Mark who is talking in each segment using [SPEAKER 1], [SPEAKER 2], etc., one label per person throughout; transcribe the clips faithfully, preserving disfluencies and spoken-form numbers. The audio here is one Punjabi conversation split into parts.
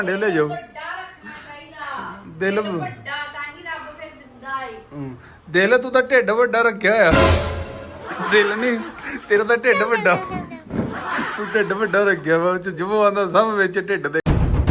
[SPEAKER 1] ਭਾਂਡੇ ਲੈ ਜਾਓ। ਦਿਲ ਦਿਲ ਤੂੰ ਤਾਂ ਢਿੱਡ ਵੱਡਾ ਰੱਖਿਆ ਹੋਇਆ, ਦਿਲ ਨਹੀਂ ਤੇਰਾ ਤਾਂ ਢਿੱਡ ਵੱਡਾ, ਤੂੰ ਢਿੱਡ ਵੱਡਾ ਰੱਖਿਆ ਵਾ। ਜਿਵੇਂ ਆਂਦਾ ਸਭ ਵਿੱਚ ਢਿੱਡ ਦੇ।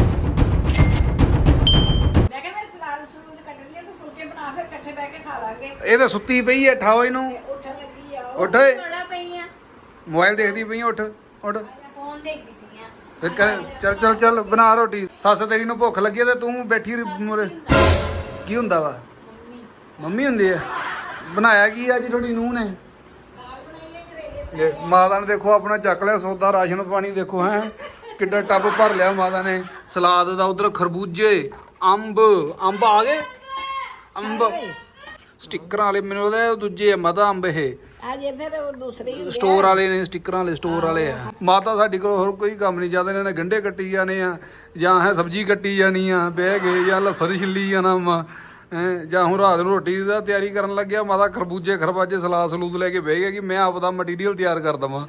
[SPEAKER 2] ਮੈਂ ਕਿਹਾ ਮੈਂ ਸਲਾਦ ਸਲੂਦ ਕੱਟਣੀ ਆ, ਤੂੰ ਫੁਲਕੇ ਬਣਾ ਫਿਰ ਇਕੱਠੇ ਬਹਿ ਕੇ ਖਾ ਲਾਂਗੇ।
[SPEAKER 1] ਇਹ ਤਾਂ ਸੁੱਤੀ ਪਈ ਐ, ਠਾਓ ਇਹਨੂੰ।
[SPEAKER 2] ਉੱਠਣ ਲੱਗੀ ਆ
[SPEAKER 1] ਉੱਠ ਓਏ,
[SPEAKER 3] ਥੋੜਾ ਪਈ ਆ
[SPEAKER 1] ਮੋਬਾਈਲ ਦੇਖਦੀ ਪਈ, ਉੱਠ ਉੱਠ।
[SPEAKER 3] ਫੋਨ ਦੇਖਦੀ ਪਈ ਆ।
[SPEAKER 1] ਫਿਰ ਕਹਿ- ਚੱਲ ਚੱਲ ਚੱਲ ਬਣਾ ਰੋਟੀ। ਸੱਸ ਤੇਰੀ ਨੂੰ ਭੁੱਖ ਲੱਗੀ ਤੇ ਤੂੰ ਬੈਠੀ ਮੂਰੇ। ਕੀ ਹੁੰਦਾ ਵਾ? ਮੰਮੀ ਹੁੰਦੀ ਆ। ਬਣਾਇਆ ਕੀ ਅੱਜ ਤੁਹਾਡੀ ਨੂੰਹ ਨੇ? ਮਾਤਾ ਨੇ ਦੇਖੋ ਆਪਣਾ ਚੱਕ ਲਿਆ ਸੌਦਾ, ਰਾਸ਼ਨ ਪਾਣੀ ਦੇਖੋ ਹੈ ਕਿੱਡਾ ਟੱਬ ਭਰ ਲਿਆ ਮਾਤਾ ਨੇ। ਸਲਾਦ ਦਾ ਉਧਰ ਖਰਬੂਜੇ, ਅੰਬ ਅੰਬ ਆ ਗਏ, ਅੰਬ ਸਟਿੱਕਰਾਂ ਵਾਲੇ ਮੈਨੂੰ ਉਹਦਾ ਦੂਜੇ ਮਾਤਾ ਅੰਬ ਇਹ
[SPEAKER 2] ਅਜੇ ਫਿਰ ਉਹ ਦੂਸਰੀ
[SPEAKER 1] ਸਟੋਰ ਵਾਲੇ ਨੇ, ਸਟਿੱਕਰਾਂ ਵਾਲੇ ਸਟੋਰ ਵਾਲੇ ਆ। ਮਾਤਾ ਸਾਡੀ ਕੋਲ ਹੋਰ ਕੋਈ ਕੰਮ ਨਹੀਂ ਜ਼ਿਆਦਾ, ਇਹਨਾਂ ਨੇ ਗੰਢੇ ਕੱਟੀ ਜਾਣੇ ਆ ਜਾਂ ਹੈ ਸਬਜ਼ੀ ਕੱਟੀ ਜਾਣੀ ਆ ਬਹਿ ਗਏ, ਜਾਂ ਲਸਣ ਛਿੱਲੀ ਜਾਣਾ ਵਾ ਹੈਂ, ਜਾਂ ਹੁਣ ਰਾਤ ਨੂੰ ਰੋਟੀ ਦਾ ਤਿਆਰੀ ਕਰਨ ਲੱਗਿਆ ਮਾਤਾ ਖਰਬੂਜੇ ਖਰਬਾਜੇ ਸਲਾਦ ਸਲੂਦ ਲੈ ਕੇ ਬਹਿ ਗਿਆ ਕਿ ਮੈਂ ਆਪਦਾ ਮਟੀਰੀਅਲ ਤਿਆਰ ਕਰ ਦਵਾਂ।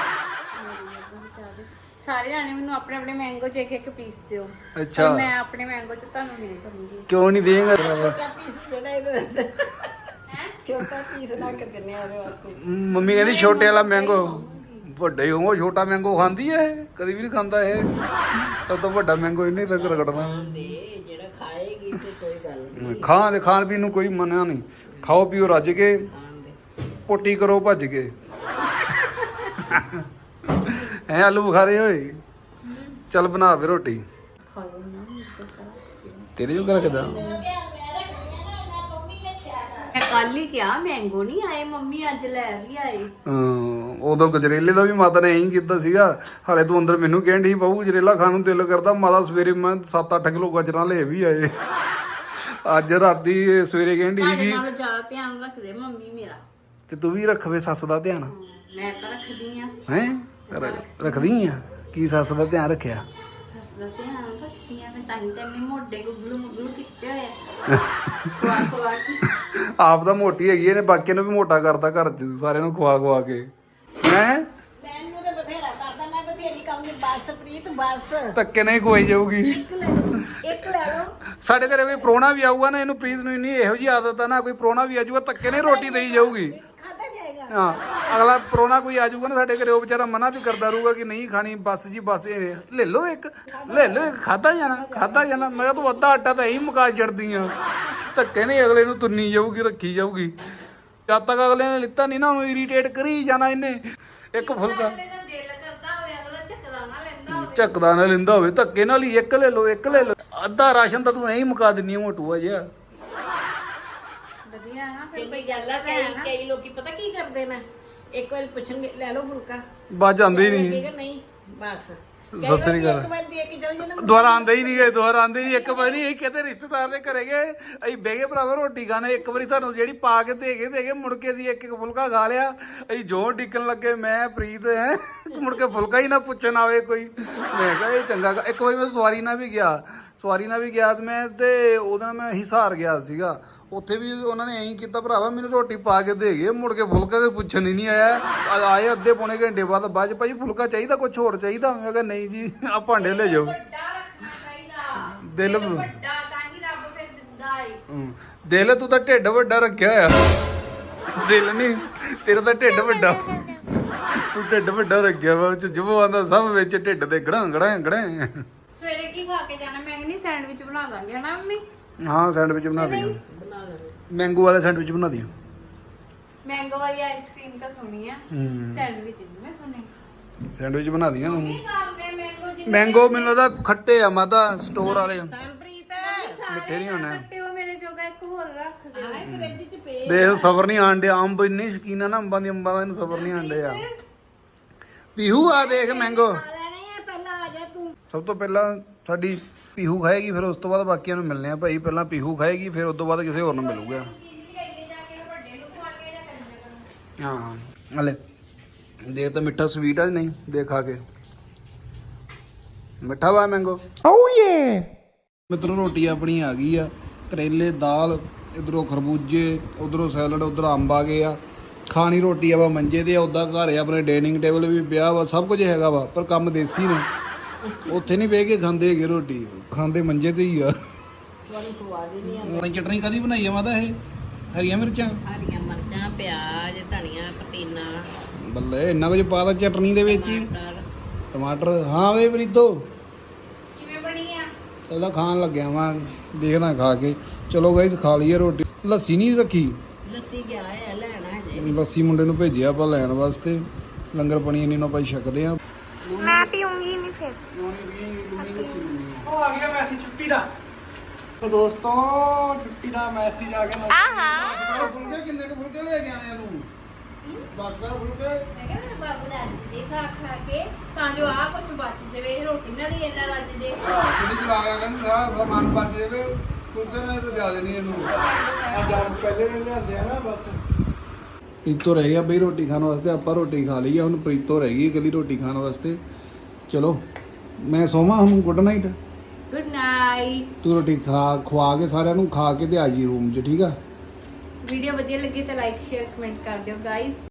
[SPEAKER 3] ਸਾਰੇ ਜਾਣੇ ਮੈਨੂੰ ਆਪਣੇ ਆਪਣੇ ਮੈਂਗੋ ਚ ਇੱਕ ਇੱਕ ਪੀਸ ਦਿਓ।
[SPEAKER 1] ਅੱਛਾ,
[SPEAKER 3] ਮੈਂ ਆਪਣੇ ਮੈਂਗੋ ਚ ਤੁਹਾਨੂੰ ਨਹੀਂ ਦਊਂਗੀ।
[SPEAKER 1] ਕਿਉਂ ਨਹੀਂ ਦੇਂਗਾ?
[SPEAKER 2] ਛੋਟਾ ਪੀਸ ਜਿਹੜਾ ਇਹਦੇ ਛੋਟਾ ਪੀਸ ਨਾ ਕਰ ਦਿੰਨੇ ਆ ਉਹਦੇ ਵਾਸਤੇ।
[SPEAKER 1] ਮੰਮੀ ਕਹਿੰਦੀ ਛੋਟੇ ਵਾਲਾ ਮੈਂਗੋ, ਵੱਡੇ ਹੋਵੋ ਛੋਟਾ ਮੈਂਗੋ ਖਾਂਦੀ ਐ? ਕਦੀ ਵੀ ਨਹੀਂ ਖਾਂਦਾ ਇਹ, ਸਭ ਤੋਂ ਵੱਡਾ ਮੈਂਗੋ ਇਹਨੇ ਰਗ ਰਗੜਨਾ।
[SPEAKER 2] ਜਿਹੜਾ ਖਾਏਗੀ ਤੇ ਕੋਈ ਗੱਲ ਨਹੀਂ।
[SPEAKER 1] ਖਾਣ ਦੇ ਖਾਣ ਪੀਣ ਨੂੰ ਕੋਈ ਮੰਨਿਆ ਨਹੀਂ, ਖਾਓ ਪੀਓ ਰੱਜ ਕੇ, ਪੋਟੀ ਕਰੋ ਭੱਜ ਕੇ। ਐ ਆਲੂ ਬੁਖਾਰੇ ਹੋਏ। ਚੱਲ ਬਣਾ ਫੇ ਰੋਟੀ।
[SPEAKER 3] ਖਾ ਲਓ ਨਾ
[SPEAKER 1] ਤੇਰੇ ਜੋ ਕਰ ਰੱਖਦਾ।
[SPEAKER 3] ਮੈਂ ਕੱਲ ਹੀ ਕਿਹਾ ਮੈਂਗੋ ਨਹੀਂ ਆਏ, ਮੰਮੀ ਅੱਜ ਲੈ ਵੀ ਆਏ।
[SPEAKER 1] ਹਾਂ, ਉਦੋਂ ਗਜਰੇਲੇ ਦਾ ਵੀ ਮਾਤਾ ਨੇ ਐਂ ਕੀਤਾ ਸੀਗਾ। ਹਾਲੇ ਤੂੰ ਅੰਦਰ ਮੈਨੂੰ ਕਹਿਣ ਡਈ ਬਾਹੂ ਗਜਰੇਲਾ ਖਾਣ ਨੂੰ ਦਿਲ ਕਰਦਾ। ਮਾਤਾ ਸਵੇਰੇ ਮੈਂ ਸੱਤ ਅੱਠ ਕਿਲੋ ਗਜਰਾਂ ਲੈ ਵੀ ਆਏ। ਅੱਜ ਰਾਤੀ ਸਵੇਰੇ ਕਹਿਣ ਡਈ
[SPEAKER 3] ਤੁਹਾਡੇ
[SPEAKER 1] ਸੀ
[SPEAKER 3] ਨਾਲ ਜ਼ਿਆਦਾ ਧਿਆਨ ਰੱਖਦੇ ਮੰਮੀ ਮੇਰਾ।
[SPEAKER 1] ਤੇ ਤੂੰ ਵੀ ਰੱਖਵੇ ਸੱਸ ਦਾ ਧਿਆਨ।
[SPEAKER 3] ਮੈਂ ਤਾਂ ਰੱਖਦੀ ਆ।
[SPEAKER 1] ਹੈਂ ਰੱਖਦੀ ਆ? ਕੀ ਸੱਸ ਦਾ ਧਿਆਨ ਰੱਖਿਆ?
[SPEAKER 3] ਸੱਸ ਦਾ ਧਿਆਨ ਰੱਖਦੀ ਆ ਮੈਂ, ਤਾਂ ਹੀ ਤਾਂ ਇੰਨੇ ਮੋਢੇ ਗੁੱਗਲੂ ਮੁੱਗਲੂ ਕੀਤੇ ਹੋਏ ਆ। ਖਵਾ ਖਵਾ ਕੇ
[SPEAKER 1] ਆਪ ਤਾਂ ਮੋਟੀ ਹੈਗੀ ਇਹਨੇ, ਬਾਕੀਆਂ ਨੂੰ ਵੀ ਮੋਟਾ ਕਰਤਾ ਘਰ ਚ ਸਾਰਿਆਂ ਨੂੰ ਖਵਾ ਖਵਾ ਕੇ। ਹੈਂ
[SPEAKER 2] ਮੈਨੂੰ ਤਾਂ ਬਥੇਰਾ ਕਰਦਾ, ਮੈਂ ਬਥੇਰੀ ਕਹੂੰਗੀ ਬਸ ਪ੍ਰੀਤ ਬਸ।
[SPEAKER 1] ਧੱਕੇ ਨਹੀਂ ਖਵਾਈ ਜਾਊਗੀ।
[SPEAKER 2] ਇੱਕ ਲੈ ਲਓ, ਇੱਕ ਲੈ ਲਓ।
[SPEAKER 1] ਸਾਡੇ ਘਰੇ ਕੋਈ ਪ੍ਰਾਹੁਣਾ ਵੀ ਆਊਗਾ ਨਾ, ਇਹਨੂੰ ਪ੍ਰੀਤ ਨੂੰ ਇੰਨੀ ਇਹੋ ਜਿਹੀ ਆਦਤ ਆ ਨਾ, ਕੋਈ ਪ੍ਰਾਹੁਣਾ ਵੀ ਆਜੂਗਾ ਧੱਕੇ ਨਹੀਂ ਰੋਟੀ ਦੇਈ ਜਾਊਗੀ।
[SPEAKER 2] ਖਾਧਾ ਜਾਏਗਾ।
[SPEAKER 1] ਹਾਂ, ਅਗਲਾ ਪ੍ਰਾਹੁਣਾ ਕੋਈ ਆਜੂਗਾ ਨਾ ਸਾਡੇ ਘਰੇ, ਉਹ ਵਿਚਾਰਾ ਮਨਾ ਵੀ ਕਰਦਾ ਰਹੂਗਾ ਕਿ ਨਹੀਂ ਖਾਣੀ, ਬਸ ਜੀ ਬਸ ਇਹ ਲੈ ਲਓ ਇੱਕ, ਲੈ ਲਓ ਇੱਕ, ਖਾਧਾ ਜਾਣਾ ਖਾਧਾ ਜਾਣਾ। ਮੈਂ ਕਿਹਾ ਤੂੰ ਅੱਧਾ ਆਟਾ ਤਾਂ ਇਹੀ ਮੁਕਾ ਛੱਡਦੀ ਆ। ਧੱਕੇ ਨਹੀਂ ਅਗਲੇ ਨੂੰ ਤੁੰਨੀ ਜਾਊਗੀ, ਰੱਖੀ ਜਾਊਗੀ। ਜਦ ਤੱਕ ਅਗਲੇ ਨੇ ਲਿੱਤਾ ਨਹੀਂ ਨਾ, ਉਹਨੂੰ ਇਰੀਟੇਟ ਕਰੀ ਜਾਣਾ ਇਹਨੇ। ਇੱਕ ਫੁਲਕਾ
[SPEAKER 3] ਅਗਲੇ ਦਾ ਦਿਲ ਕਰਦਾ ਹੋਵੇ, ਅਗਲਾ ਝੱਕਦਾ ਨਾ ਲੈਂਦਾ ਹੋਵੇ।
[SPEAKER 1] ਝੱਕਦਾ ਨਾ ਲੈਂਦਾ ਹੋਵੇ, ਧੱਕੇ ਨਾਲ ਹੀ ਇੱਕ ਲੈ ਲਓ ਇੱਕ ਲੈ ਲਓ। ਅੱਧਾ ਰਾਸ਼ਨ ਤਾਂ ਤੂੰ ਐਂ ਹੀ ਮੁਕਾ ਦਿੰਨੀ ਆ ਮੋਟੂਆ ਜਿਹਾ।
[SPEAKER 3] ਵਧੀਆ ਨਾ ਫਿਰ
[SPEAKER 2] ਕੋਈ ਗੱਲ ਆ, ਕਈ ਕਈ ਲੋਕੀ ਪਤਾ ਕੀ ਕਰਦੇ ਨੇ, ਇੱਕ ਵਾਰ ਪੁੱਛਣਗੇ ਲੈ ਲਓ ਫੁਲਕਾ,
[SPEAKER 1] ਬਾਜ ਆਂਦੇ ਹੀ ਨਹੀਂ।
[SPEAKER 2] ਲੱਗੇਗਾ ਨਹੀਂ ਬਸ।
[SPEAKER 1] ਸਤਿ ਸ੍ਰੀ ਅਕਾਲ।
[SPEAKER 2] ਇੱਕ ਵਾਰ ਦੇ ਕੇ ਚਲ ਜਾਂਦਾ।
[SPEAKER 1] ਦੁਬਾਰਾ ਆਂਦੇ ਹੀ ਨਹੀਂ ਗਏ, ਦੁਬਾਰਾ ਆਂਦੇ ਹੀ ਇੱਕ ਵਾਰੀ ਇਹ ਕਹਿੰਦੇ ਰਿਸ਼ਤੇਦਾਰ ਦੇ ਘਰੇ ਗਏ, ਅਸੀਂ ਬਹਿ ਗਏ ਭਰਾਵਾ ਰੋਟੀ ਖਾਣੇ। ਇੱਕ ਵਾਰੀ ਸਾਨੂੰ ਜਿਹੜੀ ਪਾ ਕੇ ਦੇ ਗਏ ਦੇ ਗਏ, ਮੁੜ ਕੇ ਅਸੀਂ ਇੱਕ ਇੱਕ ਫੁਲਕਾ ਖਾ ਲਿਆ। ਅਸੀਂ ਜੋ ਡਿੱਕਣ ਲੱਗੇ ਮੈਂ ਪ੍ਰੀਤ ਹੈ, ਮੁੜ ਕੇ ਫੁਲਕਾ ਹੀ ਨਾ ਪੁੱਛਣ ਆਵੇ ਕੋਈ। ਮੈਂ ਕਿਹਾ ਇਹ ਚੰਗਾ। ਇੱਕ ਵਾਰੀ ਮੈਂ ਸਵਾਰੀ ਨਾਲ ਵੀ ਗਿਆ, ਸਵਾਰੀ ਨਾਲ ਵੀ ਗਿਆ ਤੇ ਮੈਂ ਤੇ ਉਹਦੇ ਨਾਲ ਮੈਂ ਹਿਸਾਰ ਗਿਆ ਸੀਗਾ। ਉੱਥੇ ਵੀ ਉਹਨਾਂ ਨੇ ਐਂ ਕੀਤਾ ਭਰਾਵਾ, ਮੈਨੂੰ ਰੋਟੀ ਪਾ ਕੇ ਦੇ ਗਏ, ਮੁੜ ਕੇ ਫੁਲਕਾ ਤੇ ਪੁੱਛਣ ਹੀ ਨਹੀਂ ਆਇਆ। ਆਏ ਅੱਧੇ ਪੌਣੇ ਘੰਟੇ ਬਾਅਦ, ਬਾਅਦ ਭਾਜੀ ਫੁਲਕਾ ਚਾਹੀਦਾ, ਕੁਛ ਹੋਰ ਚਾਹੀਦਾ? ਮੈਂ ਕਿਹਾ ਨਹੀਂ ਜੀ ਆ ਭਾਂਡੇ ਲੈ ਜਾਓ। ਦਿਲ
[SPEAKER 3] ਵੱਡਾ ਤਾਂ ਹੀ ਰੱਬ ਫਿਰ ਦਿੰਦਾ ਏ।
[SPEAKER 1] ਹਮ, ਦਿਲ ਤੂੰ ਤਾਂ ਢਿੱਡ ਵੱਡਾ ਰੱਖਿਆ ਹੋਇਆ, ਦਿਲ ਨਹੀਂ ਤੇਰਾ ਤਾਂ ਢਿੱਡ ਵੱਡਾ, ਤੂੰ ਢਿੱਡ ਵੱਡਾ ਰੱਖਿਆ ਵਾ। ਜਿਵੇਂ ਆਂਦਾ ਸਭ ਵਿੱਚ ਢਿੱਡ ਦੇ ਗੜਾਂ ਗੜਾਂ ਗੜਾਂ।
[SPEAKER 3] ਸਵੇਰੇ ਕੀ ਖਾ ਕੇ ਜਾਣਾ? ਮੈਂ ਕਹਿੰਦੀ ਸੈਂਡਵਿਚ ਬਣਾ ਦਾਂਗੇ ਹਨਾ ਮੰਮੀ?
[SPEAKER 1] ਹਾਂ ਸੈਂਡਵਿਚ ਬਣਾ ਦਿਓ, ਮੈਂਗੋ ਵਾਲਾ ਸੈਂਡਵਿਚ ਬਣਾ ਦਿਓ।
[SPEAKER 3] ਮੈਂਗੋ ਵਾਲੀ ਆਈਸਕ੍ਰੀਮ ਤਾਂ ਸੁਣੀ ਆ, ਸੈਂਡਵਿਚ ਨਹੀਂ ਮੈਂ ਸੁਣੀ।
[SPEAKER 1] ਸੈਂਡਵਿਚ ਬਣਾ ਦਿਆਂ ਤੂੰ।
[SPEAKER 3] ਕੀ ਕਰਦੇ ਮੈਂਗੋ ਜੀ?
[SPEAKER 1] ਮੈਂਗੋ ਮੈਨੂੰ ਲੱਗਦਾ ਖੱਟੇ ਆ ਮਾਤਾ, ਸਟੋਰ ਵਾਲੇ
[SPEAKER 2] ਸੰਪ੍ਰੀਤ
[SPEAKER 1] ਮਿੱਠੇ ਨਹੀਂ ਹੋਣੇ।
[SPEAKER 3] ਕੱਟੇ ਉਹ ਮੇਰੇ ਜੋਗਾ ਇੱਕ ਹੋਰ ਰੱਖ ਦਿਓ।
[SPEAKER 2] ਹਾਏ ਫ੍ਰਿਜ ਚ ਪਏ।
[SPEAKER 1] ਦੇਖ ਸਬਰ ਨਹੀਂ ਆਂਡੇ, ਅੰਬ ਇੰਨੇ ਸ਼ਕੀਨ ਆ ਨਾ ਅੰਬਾਂ ਦੀ, ਅੰਬਾਂ ਦਾ ਇਹਨੂੰ ਸਬਰ ਨਹੀਂ ਆਂਡੇ ਆ। ਪੀਹੂ ਆ ਦੇਖ ਮੈਂਗੋ।
[SPEAKER 2] ਖਾ ਲੈਣੇ ਆ, ਪਹਿਲਾਂ ਆ ਜਾ ਤੂੰ।
[SPEAKER 1] ਸਭ ਤੋਂ ਪਹਿਲਾਂ ਸਾਡੀ ਪੀਹੂ ਖਾਏਗੀ, ਫਿਰ ਉਸ ਤੋਂ ਬਾਅਦ ਬਾਕੀਆਂ ਨੂੰ ਮਿਲਨੇ ਆ ਭਾਈ। ਪਹਿਲਾਂ ਪੀਹੂ ਖਾਏਗੀ, ਫਿਰ ਉਸ ਤੋਂ ਬਾਅਦ ਕਿਸੇ ਹੋਰ ਨੂੰ ਮਿਲੂਗਾ। ਹਾਂ ਹਲੇ ਦੇਖ ਤਾਂ ਮਿੱਠਾ ਸਵੀਟ ਆ ਨਹੀਂ, ਦੇਖ ਖਾ ਕੇ ਮਿੱਠਾ ਵਾ ਮੈਂਗੋ। ਓ ਯੇ ਮਿੱਤਰੋ ਰੋਟੀ ਆਪਣੀ ਆ ਗਈ ਆ, ਕਰੇਲੇ ਦਾਲ, ਇਧਰੋਂ ਖਰਬੂਜੇ, ਉਧਰੋਂ ਸੈਲਡ, ਉਧਰ ਅੰਬ ਆ ਗਏ ਆ। ਖਾਣੀ ਰੋਟੀ ਆ ਵਾ ਮੰਜੇ ਤੇ, ਉੱਦਾਂ ਘਰ ਆ ਆਪਣੇ ਡਾਈਨਿੰਗ ਟੇਬਲ ਵੀ ਪਿਆ ਵਾ, ਸਭ ਕੁਝ ਹੈਗਾ ਵਾ, ਪਰ ਕੰਮ ਦੇਸੀ ਨੇ। ਉੱਥੇ ਨਹੀਂ ਬਹਿ ਕੇ ਖਾਂਦੇ ਹੈਗੇ ਰੋਟੀ, ਖਾਂਦੇ ਮੰਜੇ ਤੇ ਹੀ ਆ।
[SPEAKER 2] ਤੁਹਾਨੂੰ ਸਵਾਦ ਹੀ ਨਹੀਂ
[SPEAKER 1] ਉਹ ਚਟਨੀ ਕਦੀ ਬਣਾਈ ਆ ਮਾਤਾ ਇਹ? ਹਰੀਆਂ ਮਿਰਚਾਂ,
[SPEAKER 2] ਹਰੀਆਂ ਮਿਰਚਾਂ, ਪਿਆਜ਼, ਧਨੀਆ, ਪੁਦੀਨਾ,
[SPEAKER 1] ਬੱਲੇ ਇੰਨਾ ਕੁਝ ਪਾਤਾ ਚਟਨੀ ਦੇ ਵਿੱਚ ਹੀ।
[SPEAKER 2] ਟਮਾਟਰ।
[SPEAKER 1] ਟਮਾਟਰ, ਹਾਂ ਵੇ ਪ੍ਰੀਤੋ
[SPEAKER 3] ਕਿਵੇਂ ਬਣੀ ਆ?
[SPEAKER 1] ਇਹਦਾ ਖਾਣ ਲੱਗਿਆ ਵਾਂ, ਦੇਖਦਾ ਖਾ ਕੇ। ਚਲੋ ਗਾਇਸ ਖਾ ਲਈਏ ਰੋਟੀ। ਲੱਸੀ ਨਹੀਂ ਰੱਖੀ,
[SPEAKER 2] ਲੱਸੀ ਗਿਆ ਹੈ ਲੈਣਾ ਹਜੇ।
[SPEAKER 1] ਲੱਸੀ ਮੁੰਡੇ ਨੂੰ ਭੇਜਿਆ ਆਪਾਂ ਲੈਣ ਵਾਸਤੇ। ਲੰਗਰ ਪਾਣੀ ਇੰਨੀ ਨੂੰ ਆਪਾਂ ਛਕਦੇ ਆ।
[SPEAKER 3] ਮੈਂ ਪੀਉਂਗੀ ਨਹੀਂ ਫਿਰ।
[SPEAKER 4] ਉਹ ਆ ਗਿਆ ਮੈਸੇਜ ਛੁੱਟੀ ਦਾ। ਸੋ ਦੋਸਤੋ ਛੁੱਟੀ ਦਾ ਮੈਸੇਜ ਆ ਗਿਆ।
[SPEAKER 3] ਆਹਾ
[SPEAKER 1] ਫੁਲਕੇ ਕਿੰਨੇ ਕੁ ਫੁਲਕੇ ਲੈ ਕੇ ਆਣੇ ਆ ਤੂੰ? ਬਸ ਕਰ ਫੁਲਕੇ।
[SPEAKER 3] ਮੈਂ ਕਿਹਾ ਮੇਰੇ ਬਾਬੂ ਦਾ ਅੱਜ ਦੇ ਖਾ ਖਾ ਕੇ ਤਾਂ ਜੋ ਆ ਕੁਛ ਬਚ ਜਾਵੇ, ਰੋਟੀ ਨਾਲ ਹੀ ਇੰਨਾ ਰੱਜ ਜੇ।
[SPEAKER 1] ਜਿਹੜੀ ਚਲਾ ਗਿਆ ਕਹਿੰਦੀ ਸਾਰਾ ਸਮਾਨ ਬਚ ਜਾਵੇ, ਫੁਲਕੇ ਨਾਲ ਤਾਂ ਜ਼ਿਆਦਾ ਨਹੀਂ ਇਹਨੂੰ।
[SPEAKER 4] ਅੱਜ ਆਪ ਪਹਿਲੇ ਦਿਨ ਲਿਆਂਦੇ ਆ ਨਾ ਬਸ।
[SPEAKER 1] ਪ੍ਰੀਤੋ ਰਹਿ ਗਿਆ ਬਈ ਰੋਟੀ ਖਾਣ ਵਾਸਤੇ। ਆਪਾਂ ਰੋਟੀ ਖਾ ਲਈ ਆ, ਹੁਣ ਪ੍ਰੀਤੋ ਰਹਿ ਗਈ ਇਕੱਲੀ ਰੋਟੀ ਖਾਣ ਵਾਸਤੇ। ਚਲੋ ਮੈਂ ਸੋਵਾਂ ਹੁਣ, ਗੁੱਡ ਨਾਈਟ।
[SPEAKER 3] Good night.
[SPEAKER 1] ਤੂੰ ਰੋਟੀ ਖਾ ਖਵਾ ਕੇ ਸਾਰਿਆਂ ਨੂੰ ਖਾ ਕੇ ਤੇ ਆ ਜੀ ਰੂਮ 'ਚ, ਠੀਕ ਆ?
[SPEAKER 3] ਵੀਡੀਓ ਵਧੀਆ ਲੱਗੀ ਤਾਂ ਲਾਈਕ ਸ਼ੇਅਰ ਕਮੈਂਟ ਕਰ ਦਿਓ ਗਾਇਸ।